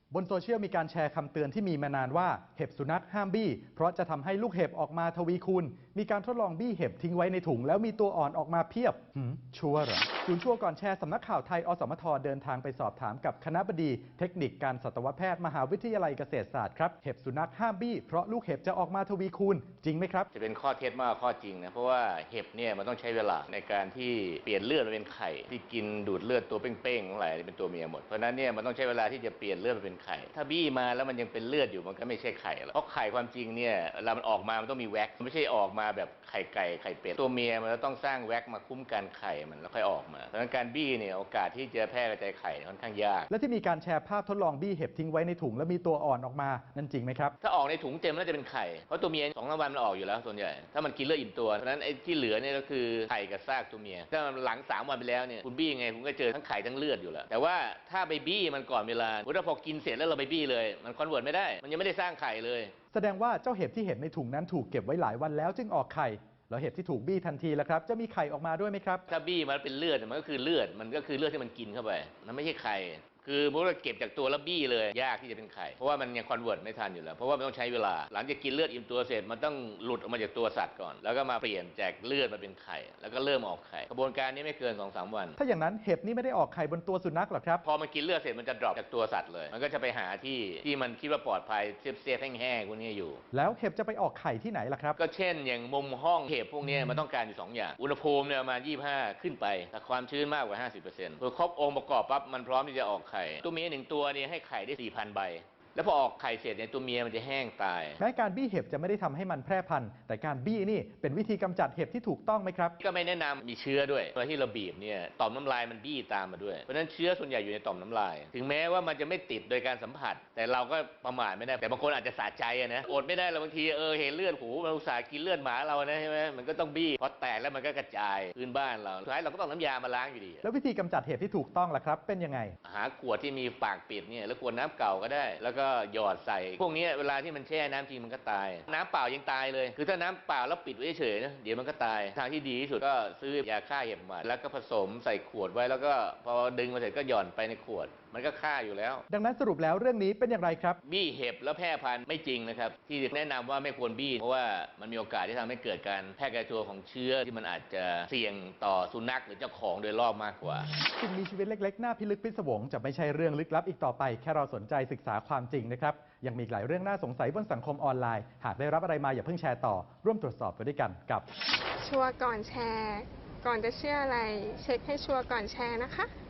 บนโซเชียลมีการแชร์คำเตือนที่มีมานานว่าเห็บสุนัขห้ามบี้เพราะจะทำให้ลูกเห็บออกมาทวีคูณมีการทดลองบี้เห็บทิ้งไว้ในถุงแล้วมีตัวอ่อนออกมาเพียบชัวร์เหรอศูนย์ชัวร์ก่อนแชร์สำนักข่าวไทยอสมทเดินทางไปสอบถามกับคณบดีเทคนิคการสัตวแพทย์มหาวิทยาลัยเกษตรศาสตร์ครับเห็บสุนัขห้ามบี้เพราะลูกเห็บจะออกมาทวีคูณจริงไหมครับจะเป็นข้อเท็จมากข้อจริงนะเพราะว่าเห็บเนี่ยมันต้องใช้เวลาในการที่เปลี่ยนเลือดเป็นไข่ที่กินดูดเลือดตัวเป้งๆทั้งหลายเป็นตัวเมียหมดเพราะนั้นเนี่ยมันต้องใช้เวลาที่จะเปลี่ยนเลือดเป็นไข่ถ้าบี้มาแล้วมันยังเป็นเลือดอยู่มันก็ไม่ใช่ไข่แล้วเพราะไข่ความจริงเนี่ยเวลามันออกมามันต้องมีแว็กซ์ไม่ใช่ออกมาแบบไข่ไก่ไข่เป็ดตัวเมียมันต้องสร้างแว็กซ์มาคุ้มกันไข่มันแล้วค่อยออกมาเพราะฉะนั้นการบี้เนี่ยโอกาสที่จะแพร่กระจายไข่ค่อนข้างยากและที่มีการแชร์ภาพทดลองบี้เห็บทิ้งไว้ในถุงแล้วมีตัวอ่อนออกมานั่นจริงไหมครับถ้าออกในถุงเต็มแล้วจะเป็นไข่เพราะตัวเมีย2-3 วันมันออกอยู่แล้วส่วนใหญ่ถ้ามันกินเลือดอิ่มตัวเพราะฉะนั้นไอ้ที่เหลือเนี่ยก็คือไข่กับซากตัวเมียถ้าหลัง3 วันไปแล้วเนี่ยคุณบี้ยังไงคุณก็เจอทั้งไข่ทั้งเลือดอยู่แล้วแต่ว่าถ้าไปบี้มันก่อนเวลาถ้าพอกินเสร็จแล้วเราไปบี้เลยมันคอนเวิร์ตไม่ได้มันยังไม่ได้สร้างไข่เลยแสดงว่าเจ้าเห็บที่เห็นในถุงนั้นถูกเก็บไว้หลายวันแล้วจึงออกไข่แล้วเห็บที่ถูกบี้ทันทีแล้วครับจะมีไข่ออกมาด้วยไหมครับถ้าบี้มันเป็นเลือดมันก็คือเลือดที่มันกินเข้าไปมันไม่ใช่ไข่คือเมื่อเราเก็บจากตัวแล้วบี้เลยยากที่จะเป็นไข่เพราะว่ามันยังคอนเวิร์ตไม่ทันอยู่แล้วเพราะว่ามันต้องใช้เวลาหลังจากกินเลือดอิ่มตัวเสร็จมันต้องหลุดออกมาจากตัวสัตว์ก่อนแล้วก็มาเปลี่ยนจากเลือดมาเป็นไข่แล้วก็เริ่มออกไข่กระบวนการนี้ไม่เกิน 2-3 วันถ้าอย่างนั้นเห็บนี่ไม่ได้ออกไข่บนตัวสุนัขหรอครับพอมันกินเลือดเสร็จมันจะดรอปจากตัวสัตว์เลยมันก็จะไปหาที่มันคิดว่าปลอดภัยเซฟแห้งๆพวกนี้อยู่แล้วเห็บจะไปออกไข่ที่ไหนล่ะครับก็เช่นอย่างมุมห้องเห็บพวกนี้มันต้องการอยู่2 อย่างอุณหภูมิเนี่ยมา25ขึ้นไปแต่ความชื้นมากกว่า 50%พอครบองค์ประกอบปั๊บมันพร้อมที่จะออกไข่ตัวเมีย1 ตัวเนี่ยให้ไข่ได้ 4,000 ใบแล้วพอออกไข่เสร็จเนี่ยตัวเมียมันจะแห้งตายแม้การบี้เห็บจะไม่ได้ทำให้มันแพร่พันธุ์แต่การบี้นี่เป็นวิธีกำจัดเห็บที่ถูกต้องไหมครับก็ไม่แนะนำมีเชื้อด้วยเวลาที่เราบีบเนี่ยต่อมน้ำลายมันบี้ตามมาด้วยเพราะฉะนั้นเชื้อส่วนใหญ่อยู่ในต่อมน้ำลายถึงแม้ว่ามันจะไม่ติดโดยการสัมผัสแต่เราก็ประมาทไม่ได้แต่บางคนอาจจะสะใจนะอดไม่ได้เราบางทีเห็นเลือดหูเราอุตส่าห์กินเลือดหมาเรานะใช่ไหมมันก็ต้องบี้พอแตกแล้วมันก็กระจายพื้นบ้านเราสุดท้ายเราก็ต้องน้ำยามาล้างอยู่ดีแล้ววิธีกำจัดเห็บที่ถูกต้องล่ะครับเป็นยังไงหาขวดที่มีปากปิดเนี่ยแล้วขวดน้ำเก่าก็ได้แล้วก็หยอดใส่พวกนี้เวลาที่มันแช่น้ำจริงมันก็ตายน้ำเปล่ายังตายเลยคือถ้าน้ำเปล่าแล้วปิดไว้เฉยนะเดี๋ยวมันก็ตายทางที่ดีที่สุดก็ซื้อยาฆ่าเห็บมาแล้วก็ผสมใส่ขวดไว้แล้วก็พอดึงมาเสร็จก็หย่อนไปในขวดมันก็ฆ่าอยู่แล้วดังนั้นสรุปแล้วเรื่องนี้เป็นอย่างไรครับบี้เห็บแล้วแพร่พันธุ์ไม่จริงนะครับที่แนะนำว่าไม่ควรบี้เพราะว่ามันมีโอกาสที่ทำให้เกิดการแพร่กระจายของเชื้อที่มันอาจจะเสี่ยงต่อสุนัขหรือเจ้าของโดยรอบมากกว่าสิ่งมีชีวิตเล็กๆน่าพิลึกพิศวงจะไม่ใช่เรื่องลึกลับอีกต่อไปแค่เราสนใจศึกษาความจริงนะครับยังมีหลายเรื่องน่าสงสัยบนสังคมออนไลน์หากได้รับอะไรมาอย่าเพิ่งแชร์ต่อร่วมตรวจสอบไปด้วยกันกับชัวร์ก่อนแชร์ก่อนจะเชื่ออะไรเช็คให้ชัวร์ก่อนแชร์นะคะ